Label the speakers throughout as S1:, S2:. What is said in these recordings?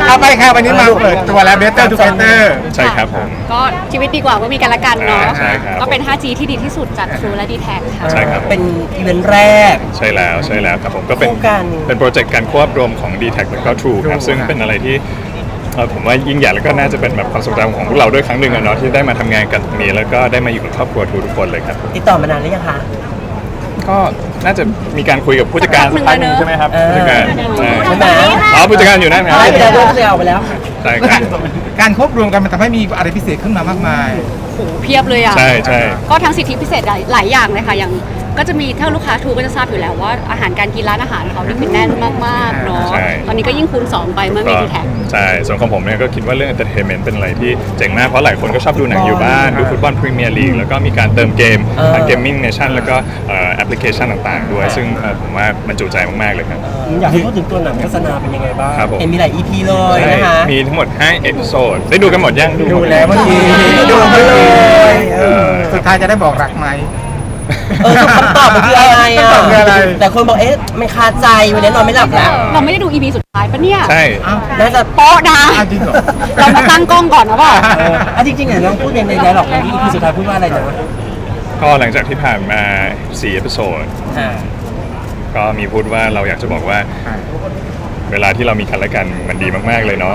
S1: เอาไปค่ะวันนี้มาเปิดตัวแล้ว Better Together
S2: ใช่ครับผม
S3: ก็ชีวิตดีกว่าเมื่อมีกันและกันเนาะ
S2: ใช่ครับ
S3: ก็เป็น 5G ที่ดีที่สุดจาก True และ D-Tag ค่ะ
S2: ใช่ครับ
S4: เป็นอีเวนต์แรก
S2: ใช่แล้วครับผมก็เป็น
S4: คู่กัน
S2: เป็นโปรเจกต์การควบรวมของ D-Tag แล้วก็ True ครับซึ่งเป็นอะไรที่ผมว่ายิ่งใหญ่แล้วก็น่าจะเป็นแบบความทรงจำของพวกเราด้วยครั้งหนึ่งอะเนาะที่ได้มาทำงานกันตรงนี้แล้วก็ได้มาอยู่กับครอบครัวทูทุกคนเลยครับ
S4: ติดต่อมานานหรือยังคะ
S2: ก็น่าจะมีการคุยกับผู้จัดการสักพักหนึ่งใช่ไหมครับผู้จัดการใช่
S4: ใช่ไหม
S2: อ๋อผู้จัดการอยู่นั่นครับ
S4: ได้ไปแล้วด้วยเอาไปแล้ว
S2: ใช่ครับ
S1: การควบรวมกันมันทำให้มีอะไรพิเศษขึ้นมามากมาย
S3: โหเพียบเลยอ่ะ
S2: ใช่
S3: ก็ทั้งสิทธิพิเศษหลายอย่างเลยค่ะอย่างก็จะมีถ้าลูกค้าทูก็จะทราบอยู่แล้วว่าอาหารการกินร้านอาหารเขานี่คือแน่นมากๆเนาะ
S2: ใช่
S3: ตอนนี้ก็ยิ่งคูณ2ไปเมื่อมี D-Tag
S2: ใช่ส่วนของผมเนี่ยก็คิดว่าเรื่อง entertainment เป็นอะไรที่เจ๋งมากเพราะหลายคนก็ชอบดูหนังอยู่บ้านดูฟุตบอลพรีเมียร์ลีกแล้วก็มีการเติมเกมทางเกมมิ่งเนชั่นแล้วก็แอปพลิเคชันต่างๆด้วยซึ่งผมว่ามันจุใจมากๆเลยครับ
S5: อยากให้พูดถึงตัวหนังโฆษณาเป็นยังไงบ้าง
S2: ครับผม
S4: เห็นมีหลาย EP เลยนะคะ
S2: มีทั้งหมด5เอพิโซดได้ดูกันหมดยัง
S1: ดูแล้วเมื่อกี้ดูมาเลยสุดท้ายจะได้บอกรักไหม
S4: คำตอบมันคืออะไร
S1: คำตอบคืออะไร
S4: แต่คนบอกมันคาใจวันนี้นอนไม่หลับแล้ว
S3: เราไม่ได้ดู EP สุดท้ายปะเนี่ย
S2: ใช่
S4: น่าจะ
S3: โป๊ะนะ
S1: อ้าวจริงเหรอ
S3: เรามาตั้งกล้องก่อนนะว่า
S5: จริงๆเนี่ยน้องพูดในไดร็อกในที่ EP สุดท้ายพูดว่าอะไรนะ
S2: ก็หลังจากที่ผ่านมา4เอพิโซด
S4: อ่า
S2: ก็มีพูดว่าเราอยากจะบอกว่าเวลาที่เรามีกันและกันมันดีมากๆเลยเนาะ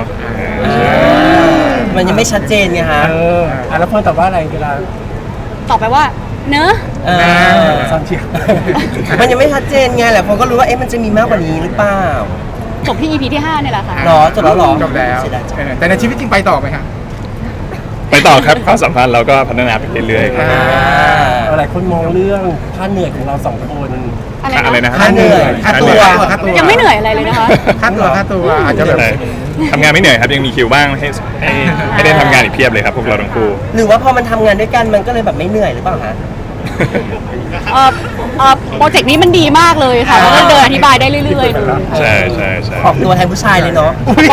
S4: มันยังไม่ชัดเจนไงฮะ
S5: แล้วเพื่อนตอบว่าอะไรเวลา
S3: ตอบไปว่า เนอะ
S5: ซันเชียร์
S4: มันยังไม่ชัดเจนไงแหละคนก็รู้ว่ามันจะมีมากกว่านี้หรือเปล่า
S3: จบที่ EP ที่ 5 เนี่ยแหละค่ะ
S4: หรอจบแล้วหรอ
S1: จบแล้ว
S4: เสียดายจัง
S1: แต่ในชีวิตจริงไปต่อไหมครับ
S2: ไปต่อครับความสัมพันธ์เราก็พัฒนาไปเรื่อยๆครับ
S5: หลายคนมองเรื่องค่าเหนื่อยของเราสองคน
S2: อะไรนะ
S4: ค่าเหนื่อย
S1: ค่าตัวค่าตัว
S3: ยังไม่เหนื่อยอะไรเลยนะคะ
S1: ค่าตัวอาจจะแบบ
S2: ใช่ทำงานไม่เหนื่อยครับยังมีคิวบ้างให้ได้ทำงานอีกเพียบเลยครับพวกเราทั้งคู่
S4: หรือว่าพอมันทำงานด้วยกันมันก็เลยแบบไม่เหนื่อยหรือเปล่าฮะ
S3: โปรเจกต์นี้มันดีมากเลยค่ะแล้วก็เดินอธิบายได้เรื่อยๆ
S2: ใช่
S4: ออกตัวแทนผู้ชายเลยเนาะ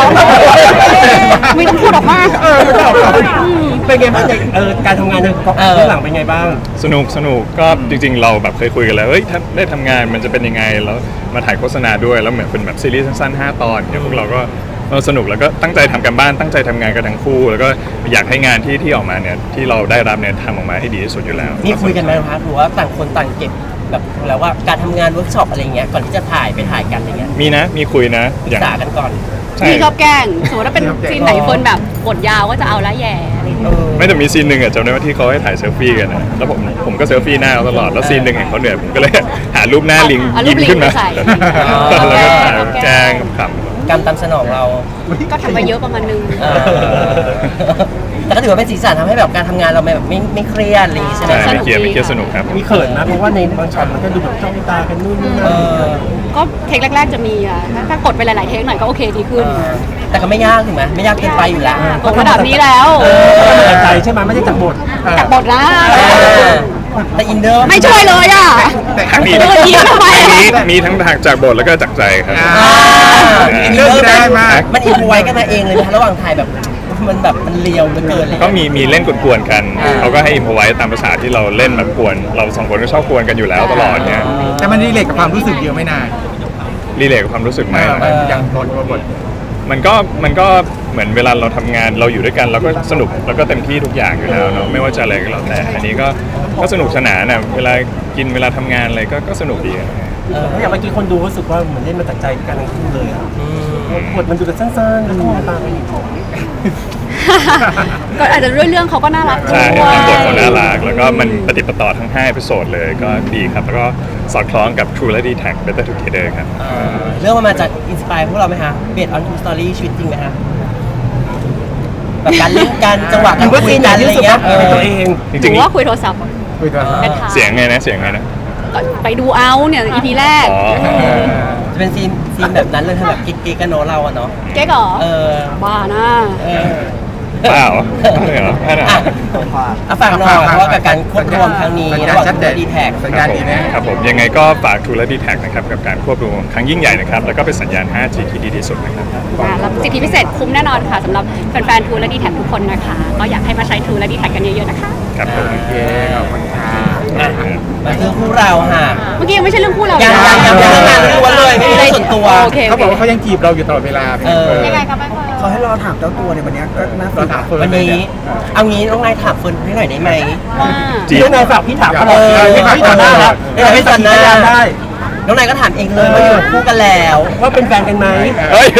S3: ไม่ต้องพูดออกมา
S5: เป็นไงบ้างการทำงานในเบื้องหลังเป็นไงบ้าง
S2: สนุกก็จริงๆเราแบบเคยคุยกันแล้วเฮ้ยถ้าได้ทำงานมันจะเป็นยังไงแล้วมาถ่ายโฆษณาด้วยแล้วเหมือนเป็นแบบซีรีส์สั้นๆ5 ตอนเนี่ยพวกเราก็สนุกแล้วก็ตั้งใจทำกันบ้านตั้งใจทำงานกันทั้งคู่ แล้วก็อยากให้งานที่ออกมาเนี่ยที่เราได้รับเนี่ยทำออกมาให้ดีที่สุดอยู่แล้ว
S4: นี่คุยกันไหมคะหรือว่าต่างคนต่างเก็บแบบแล้วว่าการทำงานเวิร์กช็อปอะไรเงี้ยก่อนที่จะถ่ายกันอะไรเงี้ย
S2: มีคุยนะ
S4: ปรึกษากันก่อน
S2: ใช่
S3: พี่ชอบแกล้งสมมติว่าเป็นซีนไหนคนแบบบทยาวก็จะเอาละแย่อะไรอย่างเงี้ย
S2: ไม่แต่มีซีนหนึ่งอะจำได้ว่าที่เขาให้ถ่ายเซลฟี่กันนะแล้วผมก็เซลฟี่หน้าเขาตลอดแล้วซีนหนึ่งเห็นเขาเหนื่อยผมก็เลยหารูปหน้าลิง
S3: เอารู
S2: ยิ้
S3: ป
S2: ม
S3: ลิง
S2: ขึ้นมา
S3: ไปใส่
S2: แล้วก็ถ่ายแกล้งขำ
S4: กรรมตามสนองเรา
S3: ก็ทำไปเยอะประมาณนึง
S4: แต่ก็ถือว่าเป็นสีสันทำให้แบบการทำงานเราแบบไม่เครียดอะไรอย่างงี้ใช่ไหม
S2: ใช่ไม่เครียดสนุกครับ
S5: มีเขินนะเพราะว่าในบางช็อตมันก็ดูแบบจ้องตากันนู่นนี่นั่น
S3: ก็เทคแรกๆจะมีอ่ะถ้ากดไปหลายๆเทคหน่อยก็โอเคดีขึ้น
S4: แต่ก็ไม่ยากถูกไหมไม่ยากเกินไปอยู่แล้ว
S3: กดระดับนี้แล้ว
S5: จากใจใช่ไหมไม่ใช่จากบท
S3: จากบทนะ
S4: แต่อินเดอร์
S3: ไม่ช่วยเลยอ่ะ
S2: มี
S3: เออยิ้มทำไม
S2: มีทั้งจากบทแล้วก็จากใจครับ
S4: อินเดอร์ได้มากมันอินพไว้กันมาเองเลยนะระหว่างถ่ายแบบมันเลียวเหลือเกินเลย
S2: ก็มีเล่นกวนๆกันเขาก็ให้อิมพอไว้ตามภาษาที่เราเล่นแบบกวนเราสองคนก็ชอบกวนกันอยู่แล้วตลอดเนี่ย
S1: แต่มันรีเลทกับความรู้สึกเยอะไม่นาน
S2: รีเลทกับความรู้สึกไหม
S1: อย่างบท
S2: มันก็เหมือนเวลาเราทำงานเราอยู่ด้วยกันเราก็สนุกแล้วก็เต็มที่ทุกอย่างอยู่แล้วเนาะไม่ว่าจะอะไรก็แล้วแต่อันนี้ก็สนุกสนานนะเวลากินเวลาทำงานอะไรก็สนุกดีอะ
S5: อย่างเมื่อกี้คนดูรู้สึกว่าเหมือนเล่นมาจากใจกันทั้งคู่เลยบทมันดูแต่สั้นๆแล้วก็มองตากันอยู่
S3: ก็อาจจะด้วยเรื่องเขาก็น่ารักด้
S2: ใช่
S3: วย
S2: บทเขาน่ารักแล้วก็มันปฏิปต่อทั้ง5เอพิโซดเลยก็ดีครับแล้วก็สอดคล้องกับ True และ D-Tag Better Together ครับ
S4: เรื่องมันมาจากอินสปายพวกเราไหมฮะเบสออนทูสตอรี่ชีวิตจริงไหมฮะแบบการเล่นกันจังหวะการคุยกันอะไรเงี้ย
S5: ตัวเอง
S2: จ
S3: ห
S2: ริ
S3: รื
S2: ง
S3: อว่าคุยโทรศัพท์
S1: คุยตัว
S3: เป็นทาง
S2: ๆเสียงไงนะ
S3: ก็ไปดูเอาเนี่ย EP แรก
S2: อ๋อ
S4: จะเป็นซีนแบบนั้นเลยทำแบบกิ๊กๆกันเนาะเราอะเนาะ
S3: เก๊กเหรอ บ้านะ
S2: เปล่าไม่เหรอไม่เหรอ
S4: ฝากหน่อยเพราะว่ากับการควบรวมครั้งนี้
S1: สัญ
S4: ระ
S1: ญา
S4: ห
S1: ณ
S4: ว่าง
S1: ชัดเจน
S4: ดีแท็ก
S1: สัญญาณดีนะ
S2: ครับผมยังไงก็ฝาก True และ D-Tag นะครับกับการควบรวมครั้งยิ่งใหญ่นะครับแล้วก็เป็นสัญญาณ 5G ที่ดีที่สุดนะครับ
S3: แล้วสิทธิพิเศษคุ้มแน่นอนค่ะสำหรับแฟนๆ True และ D-Tag ทุกคนนะคะ ก็อยากให้มาใช้ True และ D-Tag กันเยอะๆนะคะ
S2: ครับผม
S1: โอเคขอบคุณค่ะ
S4: มาคือคู่เราค่ะ
S3: เมื่อกี้ยังไม่ใช่เรื่องคู่เรา
S4: ยัง
S3: นะ
S4: เป็นเรื่องงานล้วนเลยไม่มีเรื่องส่วนตัว
S3: โอเค
S1: เขาบอกว่าเขายังจีบเราอยู่ตลอดเวลา
S4: ยังไง
S3: ยังไงครับแม่
S6: เขาให้เราถามเจ้าตัวในวันเนี้ยก็น่าส
S1: เรา
S6: นใจ
S1: ถามคน
S4: วันนี้เอางี้น้องนายถามเฟิร์นให้หน่อยได้ไหม
S3: ว่า
S2: จีบ
S5: เรื่องนายฝากพี่ถามตลอด
S4: พี่ต่อหน้าพี่ต่อหน้า
S5: ได้
S4: น้องนายก็ถามเองเลยว่าอยู่คู่กันแล้ว
S5: ว่าเป็นแฟนกันไหม
S2: เอ้ย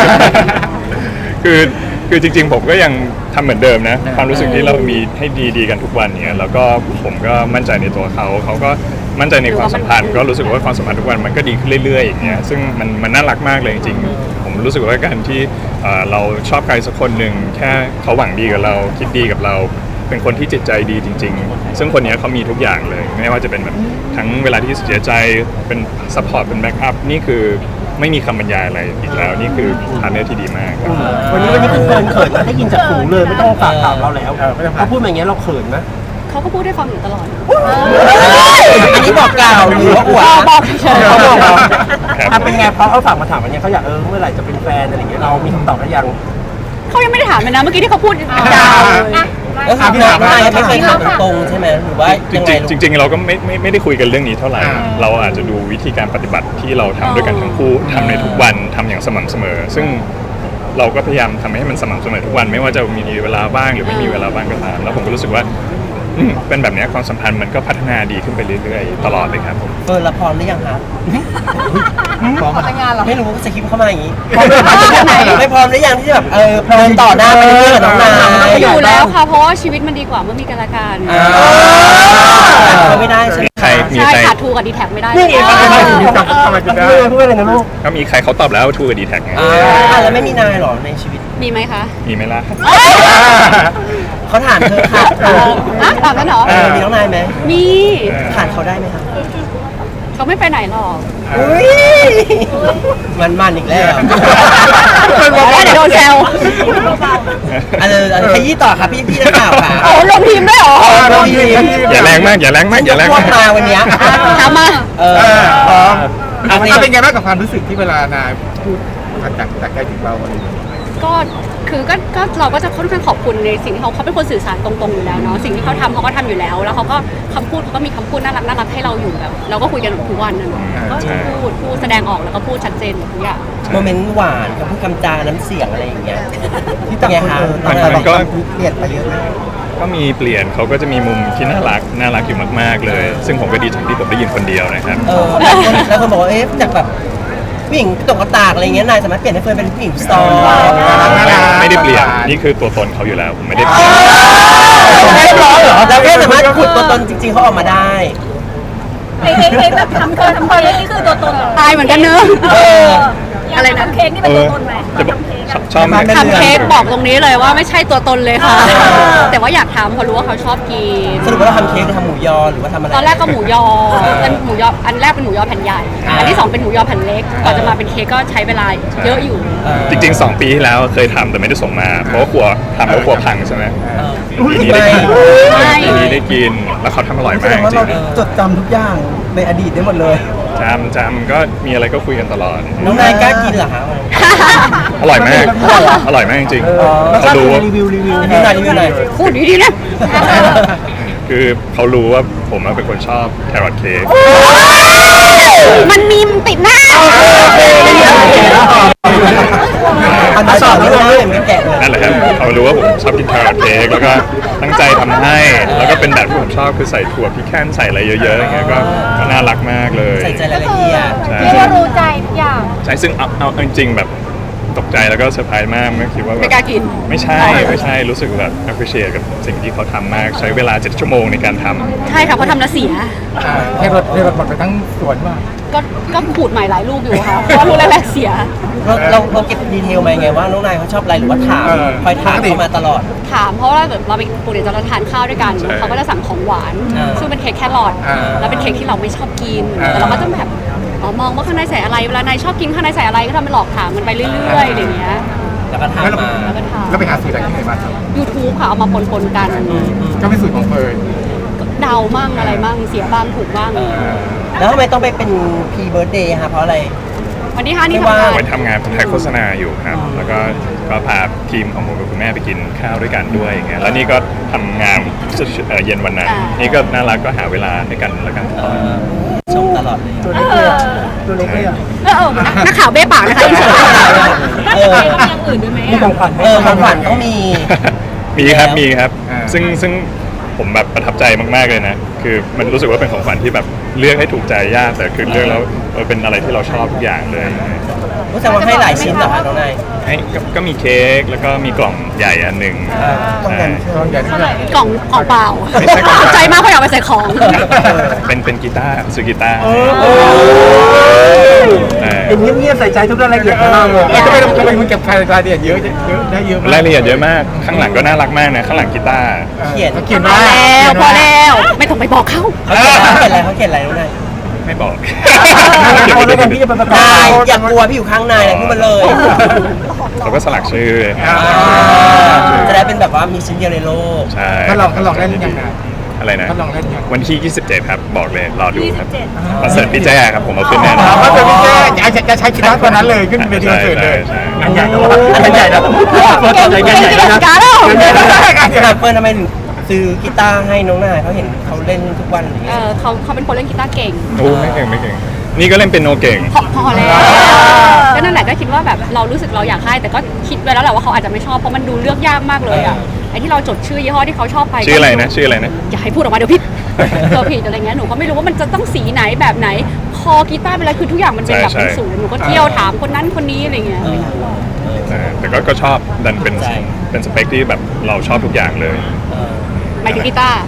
S2: คือจริงๆผมก็ยังทำเหมือนเดิมนะ ความรู้สึกที่เรามีให้ดีๆกันทุกวันเนี่ยแล้วก็ผมก็มั่นใจในตัวเขาก็มั่นใจในความสัมพันธ์ก็รู้สึกว่าความสัมพันธ์ทุกวันมันก็ดีขึ้นเรื่อยๆอย่างเงี้ยซึ่งมันน่ารักมากเลยจริงๆผมรู้สึกว่าการที่เราชอบใครสักคนหนึ่งแค่เขาหวังดีกับเราคิดดีกับเรา เป็นคนที่จิตใจดีจริงๆ ซึ่งคนนี้เขามีทุกอย่างเลย ไม่ว่าจะเป็นแบบทั้งเวลาที่เสียใจเป็นซัพพอร์ตเป็นแบ็กอัพนี่คือไม่มีคำบรรยายอะไรอีกแล้วนี่คือพาร์ทเนอร์ที่ดีมากครับ
S5: วันนี้คุณเฟิร์นเขินนะได้ยินจากหูเลยไม่ต้องฝากถามเราแล้วเขาพูดมาอย่างเงี้ยเราเขินไหม
S3: เขาก็พูดให้ฟังอยู่ตลอด
S4: อันนี้บอกกล่าวหรือว่าอวด
S3: บอกเฉยๆ
S5: เขาบอกเรา
S2: ครับ
S5: เป็นไงเพราะเขาฝากมาถามวันนี้เขาอยากเมื่อไหร่จะเป็นแฟนอะไรอย่างเงี้ยเรามีคำตอบหรือยัง
S3: เขายังไม่ได้ถามเลยนะเมื่อกี้ที่เขาพูดยาวเลย
S4: แล้วคือน้องนายไม่เคยถามตรงๆใช่ไหมหรือว่า
S2: จ
S4: ยังไง
S2: ริงๆจริงๆเราก็ไม่ได้คุยกันเรื่องนี้เท่าไหร่ เราอาจจะดูวิธีการปฏิบัติที่เราทำด้วยกันทั้งคู่ทำในทุกวันทำอย่างสม่ำเสมอ ซึ่งเราก็พยายามทำให้มันสม่ำเสมอทุกวัน ไม่ว่าจะมีเวลาว่างหรือไม่มีเวลาว่างก็ตามแล้วผมก็รู้สึกว่าเป็นแบบนี้ความสัมพันธ์มันก็พัฒนาดีขึ้นไปเรื่อยๆตลอดเลยครับผม
S4: เฟิร์นละพร้อมหรือยังครับ
S1: พร้อมแต่งงาน
S4: ไม่รู้สคริปต์เข้ามาอย่างนี้ไม่พร้อมหรือยังที่จะแบบพร้อมต่อหน้าไปเรื่อยๆกับน้องนาย
S3: อยู่แล้วค่ะ เพราะว่าชีวิตมันดีกว่าเมื่อมีกันและกัน
S4: เขาไม่ได้ใช่ไหม
S2: ใครมี
S3: ใช่
S2: ใคร
S3: ขาดทูกับดีแท็กไม่ได้
S5: นี่เอง
S1: ทำไมถึงได้
S5: พูดอะไรนะลูก
S2: ก็มีใครเขาตอบแล้วทูกับดีแท็กไง
S4: แล้วไม่มีนายหรอในชีวิต
S3: มีไหมคะ
S2: มีไหมล่ะ
S4: เขาถามเธอค่ะ
S3: ตามนั้นเหรอ
S4: มีน้องนายไหม
S3: มี
S4: ผ่านเขาได้ไหมคะ
S3: เขาไม่ไปไหนหรอก
S4: อุ้ยมันอีกแล้ว
S3: เดี๋ยวโดนแซว
S4: ขยี้ต่อค่ะพี่นักข่าวค่ะ
S3: โอ้ลงทีมด้วยเหรอ
S4: ลงทีม
S2: อย่าแรงมากอย่าแรงมากอย่าแรง
S4: พว
S2: มาก ก
S4: มาวันเนี้ย
S3: ถามมา
S1: พร้อม
S4: เอา
S1: เป็นไงบ้างกับความรู้สึกที่เวลานายพูดจากใจถึงเราอะไรอย่างเงี้ย
S3: ก็คือก็เราก็จะค่อนข้างขอบคุณในสิ่งที่เขาเป็นคนสื่อสารตรงๆอยู่แล้วเนาะสิ่งที่เขาทำเขาก็ทำอยู่แล้ว แล้วเขาก็คำพูดเขาก็มีคำพูดน่ารักให้เราอยู่แบบเราก็คุยกันทุกวันนะเนาะก็พูดแสดงออกแล้วก็พูดชัดเจนหมดทุกอย่าง
S4: โมเมนต์หวานกับพูดคำจาน้ำเสียงอะไรอย่างเงี้ย
S6: ที่ต่างคนต่างเราเปลี่ยนไปเยอะเลย
S2: ก็มีเปลี่ยนเขาก็จะมีมุมที่น่ารักอยู่มากๆเลย ซึ่งผมก็ดีใจที่ผมได้ยินคนเดียวนะครับ
S4: แล้วคนบอกว่าจากแบบผู้หญิงตกกระตากอะไรเงี้ยนายสามารถเปลี่ยนให้เฟิร์นเป็นผู้หญิงซอฟ
S2: ไม่ได้เปลี่ยนนี่คือตัวตนเขาอยู่แล้วผมไม่ได้เปลี่ยน
S4: ไม่ร้องเหรอเราแค่สามารถขุดตัวตนจริงๆเขาออกมาได้
S7: เค้กแบบทำเค้กนี่คือตัวตนเหรอ
S3: อายเหมือนกันเนอะ
S7: อะไรนะทำเค้กนี่เป็นตัวตนไหม
S2: จะบอก
S7: ทำเค้กอะ
S2: ชอบไหม
S3: ทำเค้กบอกตรงนี้เลยว่าไม่ใช่ตัวตนเลยค่ะ แต่ว่าอยากทำเพราะรู้ว่าเขาชอบกิน
S4: สรุปว่าเราทำเค้กหรือทำหมูยอหรือว่าทำอะไร
S3: ตอนแรกก็หมูยอเป็นหมูยออันแรกเป็นหมูยอแผ่นใหญ่ อันที่สองเป็นหมูยอแผ่นเล็กก่อนจะมาเป็นเค้กก็ใช้เวลาเยอะอยู่
S2: จริงๆ2 ปีที่แล้วเคยทำแต่ไม่ได้ส่งมา เพราะว่ากลัวทำแล้วกลัวพังใช่ไหมปีนี้ได้กิน
S3: ไม่
S2: ปีนี้ได้กินแล้วเขาทำอร่อย
S6: แส
S2: มาก
S6: ดงว่า
S2: จริ
S6: เรา
S2: ง
S6: จดจำทุกอย่างในอดีตได้หมดเลย
S2: จำก็มีอะไรก็คุยกันตลอด
S4: น้องนายกล้ากินเหรอคะ
S2: อร่อยมากอร่อยมากจริงๆเขารู้ว่า
S5: รีวิว
S4: รีวิวหน่อย
S3: พูดดีๆนะ
S2: คือเขารู้ว่าผมเป็นคนชอบแครอทเค้ก
S3: มันมีมติดหน้า
S4: อันนั้นต่อไม่ได้ไม่แกะเลย
S2: นั่นแหละครับเขารู้ว่าผมชอบกินแครอทเค้กแล้วก็ตั้งใจทำให้ แล้วก็เป็นแบบที่ผมชอบคือใส่ถั่วพิแคนใส่อะไรเยอะๆอย่างเงี้ยก็น่ารักมากเลย
S4: ใส่ใจรายละเอียด
S2: ใช่
S7: เรียกว่ารู้ใจทุกอย่าง
S2: ใช่ซึ่งเอาจริงๆแบบตกใจแล้วก็เซอร์ไพรส์มากไม่คิดว่าแบบ
S3: ไม่กล้ากิน
S2: ไม่ใช่รู้สึกแบบ appreciate กับสิ่งที่เขาทำมากใช้เวลา7 ชั่วโมงในการทำ
S3: ใช่ค่ะเพราะทำแล้วเสีย
S1: เทรถหมดไปทั้งสวนว่า
S3: ก็ขูดใหม่หลายลูกอยู่ค่ะ เพราะว่าลูกแรกๆเสีย
S4: เราเก็บดีเทลมาไงว่าน้องนายเขาชอบอะไรหรือว่าถามคอยถามเขามาตลอด
S3: ถามเพราะว่าแบบเราไปปกติเราทานข้าวด้วยกัน
S2: ใช่
S3: เขาก็จะสั่งของหวาน ซึ่งเป็นเค้กแครอทแล้วเป็นเค้กที่เราไม่ชอบกินแต่เราก็จะแบบมองว่าข้างในใส่อะไรเวลานายชอบกินข้างในใส่อะไรก็ทำเป็นหลอกถามมันไปเรื่อยๆอย่างเงี้ย
S4: แล้วก็ถาม
S1: แล้ว
S4: มา
S3: แล้วก็ถาม
S1: เราไปหาสูตรจากที่ไหนมาครับ
S3: YouTube ค่ะเอามาปนๆกัน
S1: ก็เป็นสูตรของเฟิร์น
S3: เดามั่งอะไรมั่งเสียบ้างถูกบ้าง
S4: แล้วทำไมต้องไปเป็นพรีเบิร์ดเดย์คะเพราะอะไร
S3: วันที่5นี่
S4: ไม่
S3: ทำ
S4: ว่า
S3: งาน
S2: ไปทำงานถ่ายโฆษณาอยู่ครับแล้วก็พาทีมของผมกับคุณแม่ไปกินข้าวด้วยกันด้วยอย่างเงี้ยแล้วนี่ก็ทำงานเย็นวันนั้นนี่ก็น่ารักก็หาเวลาให้กันแล้วกันตลอด
S4: ชมตลอดเลย
S5: ตัวเล็กเลยอะตัวเล็กเลยอะ
S3: นักข่าวเบ้ปากนะคะอินเสิร์ต
S4: เออ
S7: มีอย่างอื่นด้วยไหม
S5: มีของขวัญให้
S4: ของขวัญต้องมี
S2: มีครับมีครับซึ่งผมแบบประทับใจมากๆเลยนะคือมันรู้สึกว่าเป็นของขวัญที่แบบเลือกให้ถูกใจยากแต่คือเลือกแล้วเป็นอะไรที่เราชอบทุกอย่างเลย
S4: รู้สึกว่าให้หลายชิ้นเหรอคะน้องนาย
S2: ก็มีเค้กแล้วก็มีกล่องใหญ่อันหนึ่ง
S6: ต้อง
S2: ใช่
S6: กันใช่ไหม
S3: กล่องเปล่า
S2: ไม่ใช่กล่อง
S3: ตกใจมากเพราะอยากไปใส่ของ
S2: เป็นกีตาร์ซื้อกีตาร์ใช่
S5: เป็นเงียบๆใส่ใจทุกรายละเอียดของเราเลย
S1: ทำไมมึงเก็บรายละเอียดเยอะได้เยอะ
S2: รายละเอียดเยอะมากข้างหลังก็น่ารักมากนะข้างหลังกีตาร์
S4: เขียน
S1: เขียน
S3: พอ
S1: ว่า
S3: แล้วพอแล้วไม่ต้องไปบอกเขา
S4: เขาเขียนอะไรน้องนาย
S2: ไม่บอก
S5: เอาแล้วกันพี่จะไปประกอบ
S4: นายอย่ากลัวพี่อยู่ข้างนายนะพูดมาเลย
S2: เราก็สลักชื่อ
S4: จะได้เป็นแบบว่ามีชิ้นเดียวในโลก
S2: ใช่
S1: ถ้าลองเล่นยังไง
S2: อะไรนะ
S1: ถ้าลองเล่นยัง
S2: วันที่ 27 ครับ บอกเลย รอดูครับคอนเสิร์ตพี่แจ้ครับ ผมเอาขึ้นแน่นอน
S1: ว่าเป็นพี่แจ้จะใช้กีตาร์ตัวนั้นเลยขึ้นเวทีคอนเสิร์ตเลย
S2: ใช่
S5: งานใหญ่นะงานใหญ่นะ
S3: เก่ง
S5: งานใหญ่
S3: เก่ง
S5: นะ
S3: การแล้ว
S4: เฟิร์นทำไมถึงซื้อกีตาร์ให้น้องนายเขาเห็นเขาเล่นทุกวันอย่างเงี้ย
S3: เขาเป็นคนเล่นกีตาร์เก่ง
S2: โอ้ไม่เก่งไม่เก่ง นี่ก็เล่นเป็นโนเก่ง
S3: พอแล้วก็นั่นแหละก็คิดว่าแบบเรารู้สึกเราอยากให้แต่ก็คิดไว้แล้วแหละว่าเขาอาจจะไม่ชอบเพราะมันดูเลือกยากมากเลยอ่ะไอ้ที่เราจดชื่อยี่ห้อที่เขาชอบไป
S2: ชื่ออะไรนะ ชื่ออะไรนะ
S3: อย่าให้พูดออกมาเดี๋ยวผิดตัวผิดอะไรเงี้ยหนูก็ไม่รู้ว่ามันจะต้องสีไหนแบบไหนคอกีตาร์เป็นอะไรคือทุกอย่างมันเป็นแบบเป็นศูนย์หนูก็เที่ยวถามคนนั้นคนนี้อะไรเงี้ย
S2: แต่ก็ชอบดันเป็นสเปคที่แบบเราชอบทุกอย่างเลย
S3: หมายถึงกีตาร์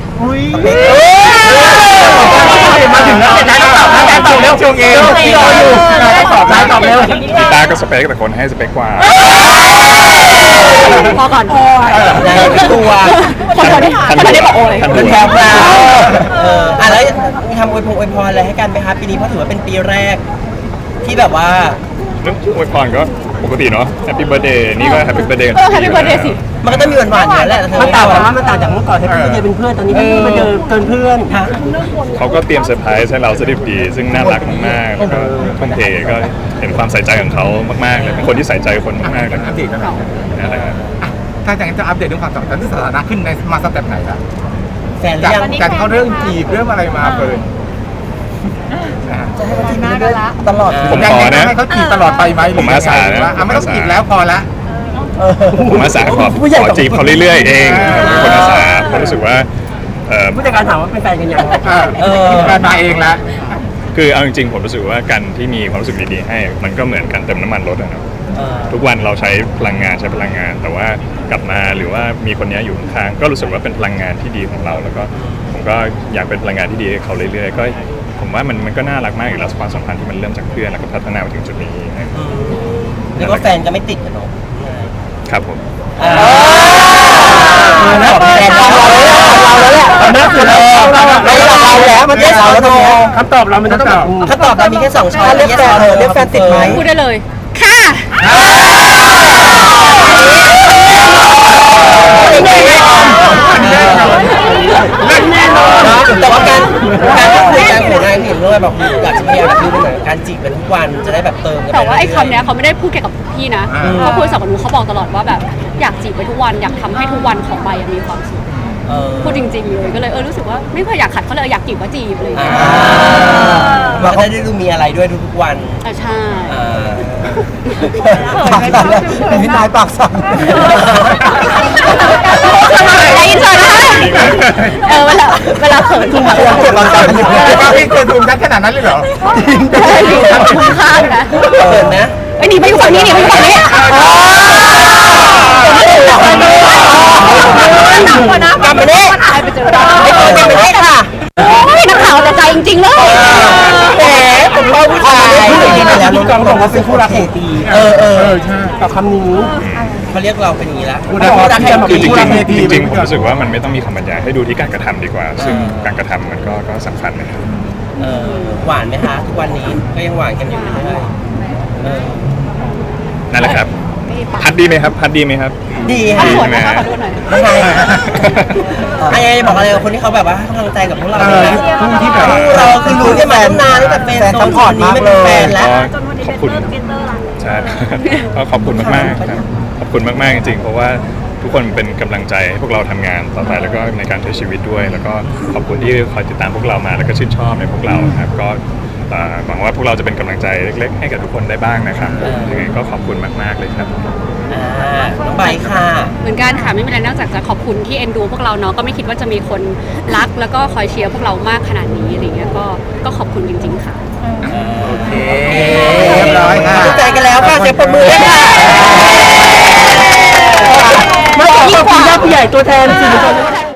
S1: มาถึงแล้วนายตอบเร็วช่วงเองรออยู่นายตอบเร็ว
S2: กีตาร์ก็สเปคแต่คนให้สเปคกว่า
S3: พอก่อน
S4: นายไม่กลัว
S3: คนคนที่บอกโอ้ย
S4: เป็นแพรวพราวแล้วมีทำอวยพรอะไรให้กันไหมคะปีนี้เพราะถือว่าเป็นปีแรก ที่แบบว่า
S2: เรื่องอวยพรก็ปกติเนาะ Happy Birthday นี่ก็ Happy Birthday
S3: แฮปปี้เบิร์ดเดย์สิ
S4: มันก็ต้องมีหวานๆอยู่แล้วแหละ
S5: มันต่างกันว่ามันต่างจากเมื่อก่อนที่พี่เป็นเพื่อนตอนนี้พี่มาเจอเกินเพื่อนฮะ
S2: เขาก็เตรียมเซอร์ไพรส์ให้เราสดิบดี ซึ่งน่ารักมากๆแล้วก็ทุ่มเทก็เห็นความใส่ใจของเขามากๆเลยเป็นคนที่ใส่ใจคนมากๆเลย
S1: อัปเดตกันหน่อย
S2: นั่นแหละครับ
S1: ถ้าอย่างนั้นจะอัปเดตเรื่องความสัมพันธ์ที่สถานะขึ้นในมาสเต็ปไหนล่ะ
S4: แฟนหรือยัง
S1: จากเขาเรื่องจีบเรื่องอะไรมาเปิด
S6: จะให้เขาจีบเรื่อยๆตลอด
S2: ผมขอนะ
S1: ให้เขาจีบตลอดไปไหม
S2: ผมอาสานะ
S1: ไม่ต้องจีบแล้วพอละ
S2: ผมอาสาขอจีบเขาเรื่อยๆเองเป็นคนอาสาผมรู้สึกว่า
S5: ผู้จัดการถามว่าเป็นแฟนกันยัง
S1: แฟนมาเองละ
S2: คือเอาจริงๆผมรู้สึกว่าการที่มีความรู้สึกดีๆให้ มันก็เหมือนกันเติมน้ำมันรถนะครับทุกวันเราใช้พลังงานแต่ว่ากลับมาหรือว่ามีคนนี้อยู่ข้างๆก็รู้สึกว่าเป็นพลังงานที่ดีของเรา แล้วก็ผมก็อยากเป็นพลังงานที่ดีให้เขาเรื่อยๆก็ผมว่ามันก็น่ารักมากอยู่แล้วความสัมพันธ์ที่มันเริ่มจากเพื่อนแล้วก็พัฒนามาถึงจุดนี้นะครับ
S4: เรียกว่าแฟนก็ไม่ติดกันเนาะ
S2: ครับผม
S4: แล้วแฟนเราแล้วแหละ
S5: เราแล้วมันได้เราแล้วตรงนี้คำตอบเรามันต้องแบบ
S4: ถ้าตอบเรามีแค่2ช้อย
S6: เรียกแฟนเรียกแฟนติดไหม
S3: พูดได้เลย ค่ะ
S4: แต่ว่าการคุยกันของนายเห็นด้วยแบบอยากจะพยายามดูเป็นเหมือนการจีบกันทุกวันจะได้แบบเติมกัน
S3: แต่ว่าไอ้คำเนี้ยเขาไม่ได้พูดแค่กับพี่นะเขาคุยกับหนูเขาบอกตลอดว่าแบบอยากจีบไปทุกวันอยากทำให้ทุกวันของใบมีความสุขพูดจริงๆเลยก็เลยรู้สึกว่าไม่เคยอยากขัดเขาเลยอยากจีบก็จีบเลย
S4: มันก็ได้ดูมีอะไรด้วยทุกวัน
S3: ใช่
S6: ปากสั่นเลยเป็นพี่นายปากสั่น
S3: ไอ้อินเสิร์ตนะคะเวลาเขินจริงๆ
S1: เก็บรอนกันอยู่พี่เคยดูกันขนาดนั้นเลยเหรอ
S3: คุ้มค่านะ
S4: เปิดนะ
S3: ไอ้หนีไปอยู่ฝั่งนี้หนีไปอยู่ฝั่งนี้กลับมาเนี่ยไปเจอได้
S4: กลับมาเนี่ยค่ะ
S3: โอ้ยนักข่าวแต่ใจจริงๆเลย
S4: แหมผมชอบผู้ชาย
S5: แล้วน้องบอกว่าเป็นคู่รักแห่งปี
S1: ใช่
S5: กับคำนี้
S4: เขาเรียกเราเป็นอย่างนี้ละ
S2: คือจริงๆผมรู้สึกว่ามันไม่ต้องมีคำบรรยายให้ดูที่การกระทำดีกว่า ซึ่งการกระทำมันก็สำคัญนะครับ
S4: หวานไหมคะทุกวันนี้ก็ยังหวานกันอยู่เรื่อย
S2: นั่นแหละครับพัดดีไหมครับพัดดีไหมครับ
S4: ดี
S3: ขอ
S4: ค่ะ
S3: โทษนะคะขอโทษหน่อย
S4: ไม่ใช่ไอ้บอกอะไรกับคนที่เขาแบบว่าให้กำลังใจกับพวกเราที่แบบเราคือรู้กันมาตั้งนานตั้งแต่เป็นตอนนี้ไม่เป็นแฟนแล้ว
S2: ขอบคุณใช่ก็ขอบคุณมากๆครับขอบคุณมากๆจริงๆเพราะว่าทุกคนเป็นกำลังใจให้พวกเราทำงานต่อไปแล้วก็ในการใช้ชีวิตด้วย แล้วก็ขอบคุณที่คอยติดตามพวกเรามาแล้วก็ชื่นชอบในพวกเราครับก็หวังว่าพวกเราจะเป็นกำลังใจเล็กๆให้กับทุกคนได้บ้างนะครับยังไงก็ขอบคุณมากๆเลยครับ
S4: น้องใบค่ะ
S3: เหมือนกันค่ะไม่มีอะไรนอกจากจะขอบคุณที่เอ็นดูพวกเราเนาะก็ไม่คิดว่าจะมีคนรักแล้วก็คอยเชียร์พวกเรามากขนาดนี้อะไรเงี้ยก็ขอบคุณจริงๆค่ะ
S1: โอเคเรียบร้อยค่ะ
S4: เข้าใจกันแล้วค่ะเสียงปรบมือด้วยค่ะ
S5: มาขอบคุณญาติผู้ใหญ่ตัวแทนสื่อมวลชน